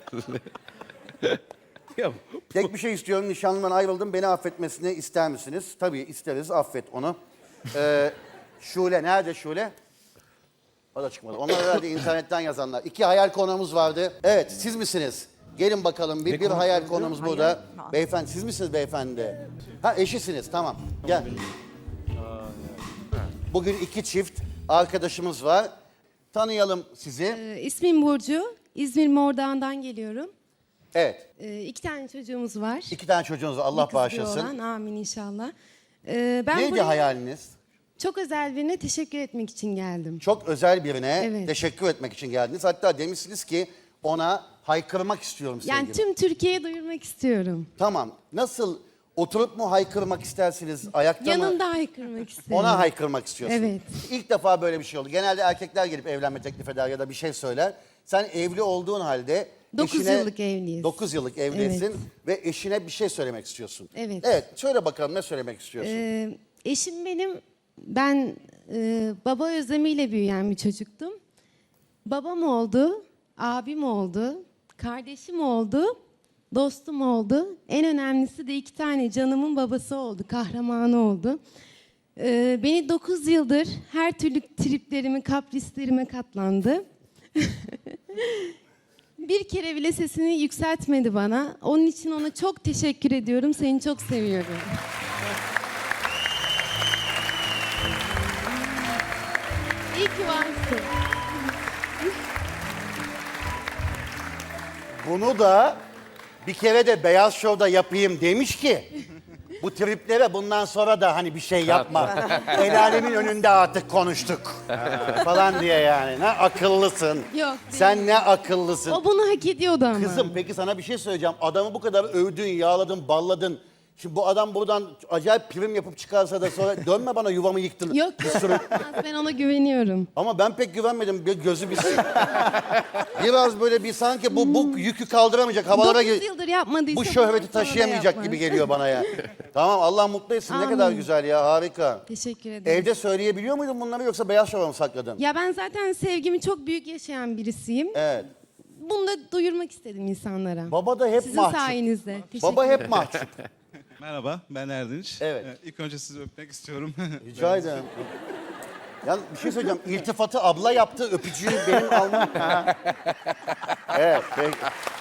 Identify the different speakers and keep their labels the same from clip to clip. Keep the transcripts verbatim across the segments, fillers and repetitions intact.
Speaker 1: Ya,
Speaker 2: Tek bir şey istiyorum. Nişanlımdan ayrıldım. Beni affetmesini ister misiniz? Tabii isteriz. Affet onu. Ee, Şule. Nerede Şule? O da çıkmadı. Onlar herhalde internetten yazanlar. İki hayal konuğumuz vardı. Evet, siz misiniz? Gelin bakalım. Bir, bir hayal konuğumuz burada. Beyefendi, siz misiniz beyefendi? Ha, eşisiniz. Tamam. Gel. Bugün iki çift arkadaşımız var. Tanıyalım sizi.
Speaker 3: Ee, ismim Burcu. İzmir Mordoğan'dan geliyorum.
Speaker 2: Evet.
Speaker 3: Ee, iki tane çocuğumuz var.
Speaker 2: İki tane çocuğunuz var.
Speaker 3: Bir
Speaker 2: Allah
Speaker 3: kız, bir
Speaker 2: bağışlasın.
Speaker 3: oğlan. Amin inşallah. Ee, ben
Speaker 2: Neydi
Speaker 3: buraya
Speaker 2: hayaliniz?
Speaker 3: çok özel birine teşekkür etmek için geldim.
Speaker 2: Çok özel birine
Speaker 3: Evet.
Speaker 2: teşekkür etmek için geldiniz. Hatta demişsiniz ki ona haykırmak istiyorum sevgilim.
Speaker 3: Yani tüm Türkiye'ye duyurmak istiyorum.
Speaker 2: Tamam. Nasıl? Oturup mu haykırmak istersiniz? Ayakta mı?
Speaker 3: Yanında haykırmak isterim.
Speaker 2: Ona haykırmak istiyorsun.
Speaker 3: Evet.
Speaker 2: İlk defa böyle bir şey oldu. Genelde erkekler gelip evlenme teklif eder ya da bir şey söyler. Sen evli olduğun halde
Speaker 3: Dokuz
Speaker 2: eşine...
Speaker 3: yıllık evliyiz.
Speaker 2: dokuz yıllık evlisin
Speaker 3: Evet.
Speaker 2: ve eşine bir şey söylemek istiyorsun.
Speaker 3: Evet.
Speaker 2: Evet. Söyle bakalım ne söylemek istiyorsun?
Speaker 3: Ee, eşim benim, ben e, baba özlemiyle büyüyen bir çocuktum. Babam oldu, abim oldu, kardeşim oldu, dostum oldu. En önemlisi de iki tane canımın babası oldu, kahramanı oldu. Ee, beni dokuz yıldır her türlü triplerime, kaprislerime katlandı. Bir kere bile sesini yükseltmedi bana. Onun için ona çok teşekkür ediyorum. Seni çok seviyorum. İyi ki varsın.
Speaker 2: Bunu da bir kere de Beyaz Show'da yapayım demiş ki bu triplere bundan sonra da hani bir şey yapma. El alemin önünde artık konuştuk falan diye yani. Ne akıllısın.
Speaker 3: Yok,
Speaker 2: Sen ne akıllısın.
Speaker 3: O bunu hak ediyordu ama.
Speaker 2: Kızım peki sana bir şey söyleyeceğim. Adamı bu kadar övdün, yağladın, balladın. Şimdi bu adam buradan acayip prim yapıp çıkarsa da sonra dönme bana yuvamı yıktın.
Speaker 3: Yok,
Speaker 2: Bir sürü...
Speaker 3: ben ona güveniyorum.
Speaker 2: Ama ben pek güvenmedim. Bir gözü bir Biraz böyle bir sanki bu, bu yükü kaldıramayacak havalara
Speaker 3: Dokuz
Speaker 2: gir.
Speaker 3: yıldır yapmadıysa
Speaker 2: Bu şöhreti
Speaker 3: bundan sonra da
Speaker 2: taşıyamayacak
Speaker 3: yapmaz.
Speaker 2: gibi geliyor bana ya. Tamam Allah mutlu etsin. Ne
Speaker 3: Amin.
Speaker 2: kadar güzel ya harika.
Speaker 3: Teşekkür ederim.
Speaker 2: Evde söyleyebiliyor muydun bunları yoksa Beyaz Şov'a mı sakladın?
Speaker 3: Ya ben zaten sevgimi çok büyük yaşayan birisiyim.
Speaker 2: Evet.
Speaker 3: Bunu da duyurmak istedim insanlara.
Speaker 2: Baba da hep
Speaker 3: Sizin
Speaker 2: mahcup.
Speaker 3: sayenizde. Teşekkür
Speaker 2: Baba hep
Speaker 3: ederim.
Speaker 2: mahcup.
Speaker 4: Merhaba, ben Erdinç.
Speaker 2: Evet.
Speaker 4: Ee, İlk önce sizi öpmek istiyorum.
Speaker 2: Rica ederim. Ya bir şey söyleyeceğim. İltifatı abla yaptı, öpücüğü benim almam. Evet, peki.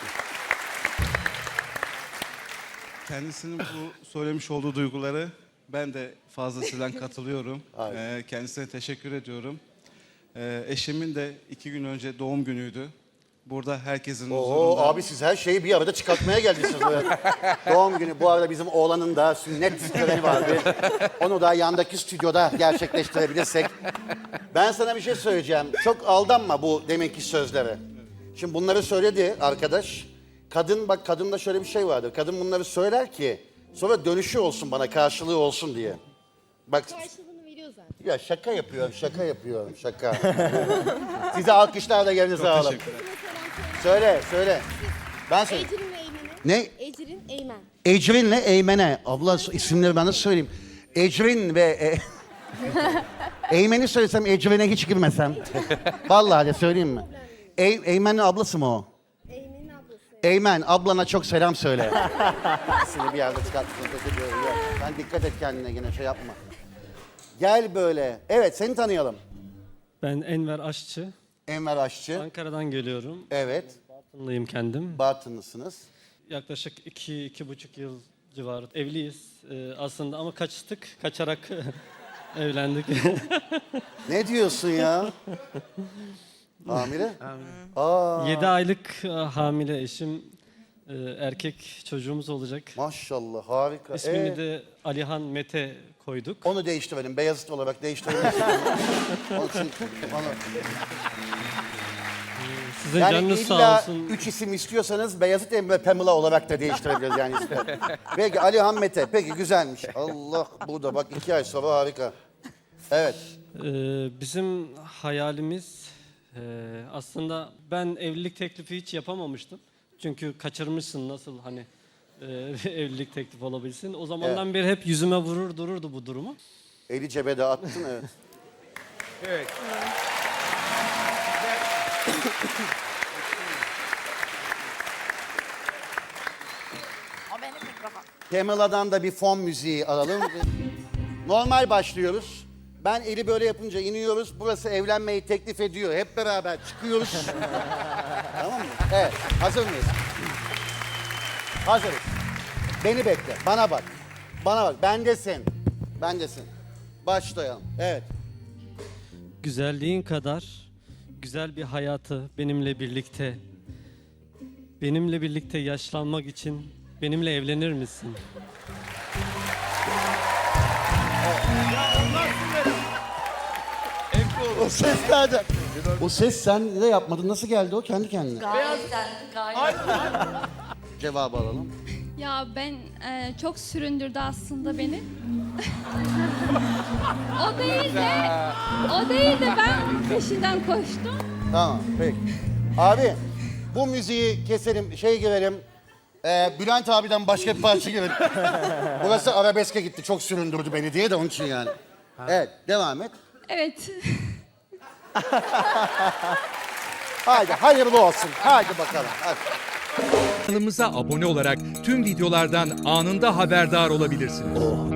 Speaker 4: Kendisinin bu söylemiş olduğu duyguları ben de fazlasıyla katılıyorum. Ee, kendisine teşekkür ediyorum. Ee, eşimin de iki gün önce doğum günüydü. Burada herkesin
Speaker 2: Oo
Speaker 4: huzurunda.
Speaker 2: abi siz her şeyi bir arada çıkartmaya geldiniz. Böyle. Doğum günü. Bu arada bizim oğlanın da sünnet töreni vardı. Onu da yandaki stüdyoda gerçekleştirebilirsek. Ben sana bir şey söyleyeceğim. Çok aldanma bu deminki sözlere. Şimdi bunları söyledi arkadaş. Kadın bak kadında şöyle bir şey vardır. Kadın bunları söyler ki sonra dönüşü olsun bana karşılığı olsun diye. Bak
Speaker 3: Karşılığını veriyor zaten.
Speaker 2: ya şaka yapıyorum, şaka yapıyorum, şaka. Size alkışlar da yerinize alalım.
Speaker 4: Teşekkür ederim.
Speaker 2: Söyle, söyle. Ben söyleyeyim.
Speaker 3: Ecrin ve Eymen'e.
Speaker 2: Ne?
Speaker 3: Ecrin, Eymen.
Speaker 2: Ecrin'le Eymen'e. Abla isimleri ben de söyleyeyim. Ecrin ve... E... Eymen'i söylesem Ecrin'e hiç girmesem. Vallahi de söyleyeyim mi? Ey, Eymen'in ablası mı o?
Speaker 3: Eymen'in ablası.
Speaker 2: Eymen, ablana çok selam söyle. İkisini bir yerde çıkarttın. Ben dikkat et kendine yine şey yapma. Gel böyle. Evet, seni tanıyalım.
Speaker 5: Ben Enver Aşçı.
Speaker 2: Enver Aşçı.
Speaker 5: Ankara'dan geliyorum.
Speaker 2: Evet,
Speaker 5: Bartınlıyım kendim.
Speaker 2: Bartınlısınız.
Speaker 5: Yaklaşık iki, iki buçuk yıl civarı evliyiz Ee, aslında ama kaçtık, kaçarak evlendik.
Speaker 2: Ne diyorsun ya? Hamile? Aa,
Speaker 5: Yedi aylık e, hamile eşim, e, erkek çocuğumuz olacak.
Speaker 2: maşallah harika.
Speaker 5: İsmini
Speaker 2: Ee,
Speaker 5: de Alihan Mete koyduk.
Speaker 2: Onu değiştirelim. Beyazıt olarak değiştirebilirsin. Onun için onu...
Speaker 5: Sizin
Speaker 2: Yani
Speaker 5: canınız sağ
Speaker 2: illa
Speaker 5: olsun.
Speaker 2: üç isim istiyorsanız Beyazıt Emre Pamela olarak da değiştirebiliriz yani ismi. Peki Ali Mete. Peki güzelmiş. Allah burada bak iki ay sonra harika. Evet.
Speaker 5: Ee, bizim hayalimiz e, aslında ben evlilik teklifi hiç yapamamıştım. Çünkü kaçırmışsın nasıl hani e, evlilik teklifi olabilsin. O zamandan beri hep yüzüme vurur dururdu bu durumu.
Speaker 2: Eli cebe de attın evet.
Speaker 1: evet.
Speaker 2: Pamela'dan da bir fon müziği alalım. Normal başlıyoruz. Ben eli böyle yapınca iniyoruz. Burası evlenmeyi teklif ediyor. Hep beraber çıkıyoruz. Tamam mı? Evet. Hazır mıyız? Hazırız. Beni bekle. Bana bak. Bana bak. Bendesin. Bendesin. Başlayalım. Evet.
Speaker 5: Güzelliğin kadar güzel bir hayatı benimle birlikte, benimle birlikte yaşlanmak için benimle evlenir misin?
Speaker 2: O ses nerede? O ses sen de yapmadın. Nasıl geldi o? Kendi kendine.
Speaker 6: Gayetten, gayet.
Speaker 2: Cevabı alalım.
Speaker 7: Ya ben e, çok süründürdü aslında beni. o değil de o değil de ben onun peşinden koştum.
Speaker 2: Tamam. Peki. Abi bu müziği keselim. Şey girelim. Ee, Bülent abiden başka bir parça girelim. Burası arabeske gitti. Çok süründürdü beni diye de onun için yani. Evet. Devam et.
Speaker 7: Evet.
Speaker 2: Haydi hayırlı olsun. Haydi bakalım. Hadi.
Speaker 8: Kanalımıza abone olarak tüm videolardan anında haberdar olabilirsiniz.